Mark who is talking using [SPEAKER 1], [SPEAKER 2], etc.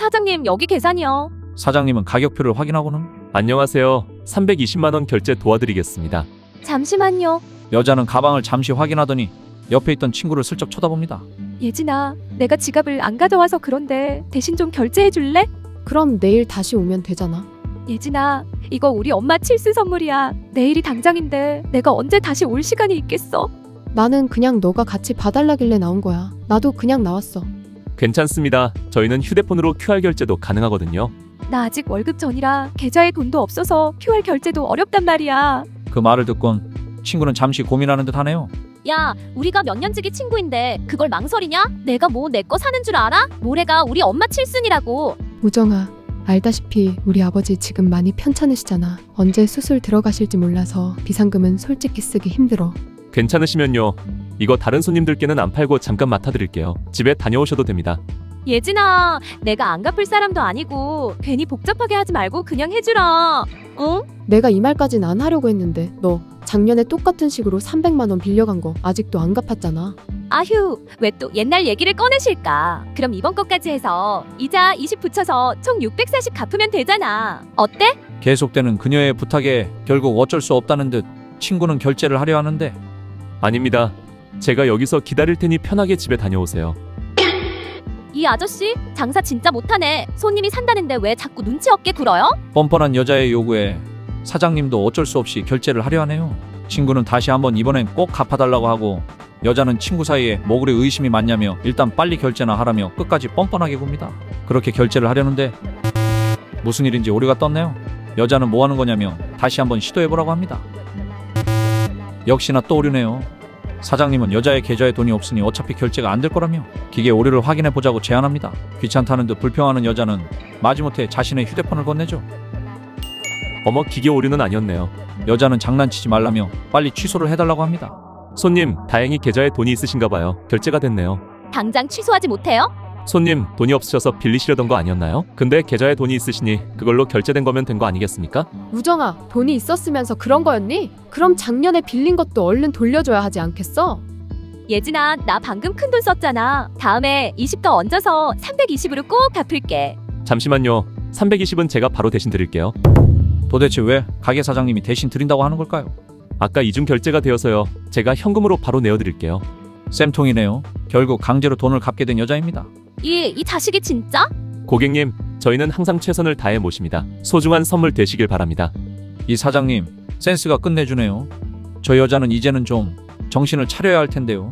[SPEAKER 1] 사장님, 여기 계산이요.
[SPEAKER 2] 사장님은 가격표를 확인하고는
[SPEAKER 3] 안녕하세요. 320만 원 결제 도와드리겠습니다.
[SPEAKER 1] 잠시만요.
[SPEAKER 2] 여자는 가방을 잠시 확인하더니 옆에 있던 친구를 슬쩍 쳐다봅니다.
[SPEAKER 1] 예진아, 내가 지갑을 안 가져와서 그런데 대신 좀 결제해 줄래?
[SPEAKER 4] 그럼 내일 다시 오면 되잖아.
[SPEAKER 1] 예진아, 이거 우리 엄마 칠순 선물이야. 내일이 당장인데 내가 언제 다시 올 시간이 있겠어?
[SPEAKER 4] 나는 그냥 너가 같이 봐달라길래 나온 거야. 나도 그냥 나왔어.
[SPEAKER 3] 괜찮습니다. 저희는 휴대폰으로 QR 결제도 가능하거든요.
[SPEAKER 1] 나 아직 월급 전이라 계좌에 돈도 없어서 QR 결제도 어렵단 말이야.
[SPEAKER 2] 그 말을 듣곤 친구는 잠시 고민하는 듯 하네요.
[SPEAKER 5] 야, 우리가 몇 년지기 친구인데 그걸 망설이냐? 내가 뭐 내 거 사는 줄 알아? 모레가 우리 엄마 칠순이라고.
[SPEAKER 4] 우정아, 알다시피 우리 아버지 지금 많이 편찮으시잖아. 언제 수술 들어가실지 몰라서 비상금은 솔직히 쓰기 힘들어.
[SPEAKER 3] 괜찮으시면요. 이거 다른 손님들께는 안 팔고 잠깐 맡아드릴게요. 집에 다녀오셔도 됩니다.
[SPEAKER 1] 예진아, 내가 안 갚을 사람도 아니고 괜히 복잡하게 하지 말고 그냥 해주라. 응?
[SPEAKER 4] 내가 이 말까진 안 하려고 했는데 너 작년에 똑같은 식으로 300만 원 빌려간 거 아직도 안 갚았잖아.
[SPEAKER 1] 아휴, 왜 또 옛날 얘기를 꺼내실까? 그럼 이번 것까지 해서 이자 20 붙여서 총 640 갚으면 되잖아. 어때?
[SPEAKER 2] 계속되는 그녀의 부탁에 결국 어쩔 수 없다는 듯 친구는 결제를 하려 하는데
[SPEAKER 3] 아닙니다. 제가 여기서 기다릴 테니 편하게 집에 다녀오세요.
[SPEAKER 5] 이 아저씨 장사 진짜 못하네. 손님이 산다는데 왜 자꾸 눈치 없게 굴어요?
[SPEAKER 2] 뻔뻔한 여자의 요구에 사장님도 어쩔 수 없이 결제를 하려 하네요. 친구는 다시 한번 이번엔 꼭 갚아달라고 하고 여자는 친구 사이에 뭐 그리 의심이 많냐며 일단 빨리 결제나 하라며 끝까지 뻔뻔하게 굽니다. 그렇게 결제를 하려는데 무슨 일인지 오류가 떴네요. 여자는 뭐 하는 거냐며 다시 한번 시도해보라고 합니다. 역시나 또 오류네요. 사장님은 여자의 계좌에 돈이 없으니 어차피 결제가 안 될 거라며 기계 오류를 확인해보자고 제안합니다. 귀찮다는 듯 불평하는 여자는 마지못해 자신의 휴대폰을 건네죠.
[SPEAKER 3] 어머, 기계 오류는 아니었네요.
[SPEAKER 2] 여자는 장난치지 말라며 빨리 취소를 해달라고 합니다.
[SPEAKER 3] 손님, 다행히 계좌에 돈이 있으신가 봐요. 결제가 됐네요.
[SPEAKER 5] 당장 취소하지 못해요?
[SPEAKER 3] 손님, 돈이 없으셔서 빌리시려던 거 아니었나요? 근데 계좌에 돈이 있으시니 그걸로 결제된 거면 된 거 아니겠습니까?
[SPEAKER 4] 우정아, 돈이 있었으면서 그런 거였니? 그럼 작년에 빌린 것도 얼른 돌려줘야 하지 않겠어?
[SPEAKER 1] 예진아, 나 방금 큰돈 썼잖아. 다음에 20 더 얹어서 320으로 꼭 갚을게.
[SPEAKER 3] 잠시만요. 320은 제가 바로 대신 드릴게요.
[SPEAKER 2] 도대체 왜 가게 사장님이 대신 드린다고 하는 걸까요?
[SPEAKER 3] 아까 이중 결제가 되어서요. 제가 현금으로 바로 내어드릴게요.
[SPEAKER 2] 쌤통이네요. 결국 강제로 돈을 갚게 된 여자입니다.
[SPEAKER 5] 이 자식이 진짜?
[SPEAKER 3] 고객님, 저희는 항상 최선을 다해 모십니다. 소중한 선물 되시길 바랍니다.
[SPEAKER 2] 이 사장님 센스가 끝내주네요. 저 여자는 이제는 좀 정신을 차려야 할 텐데요.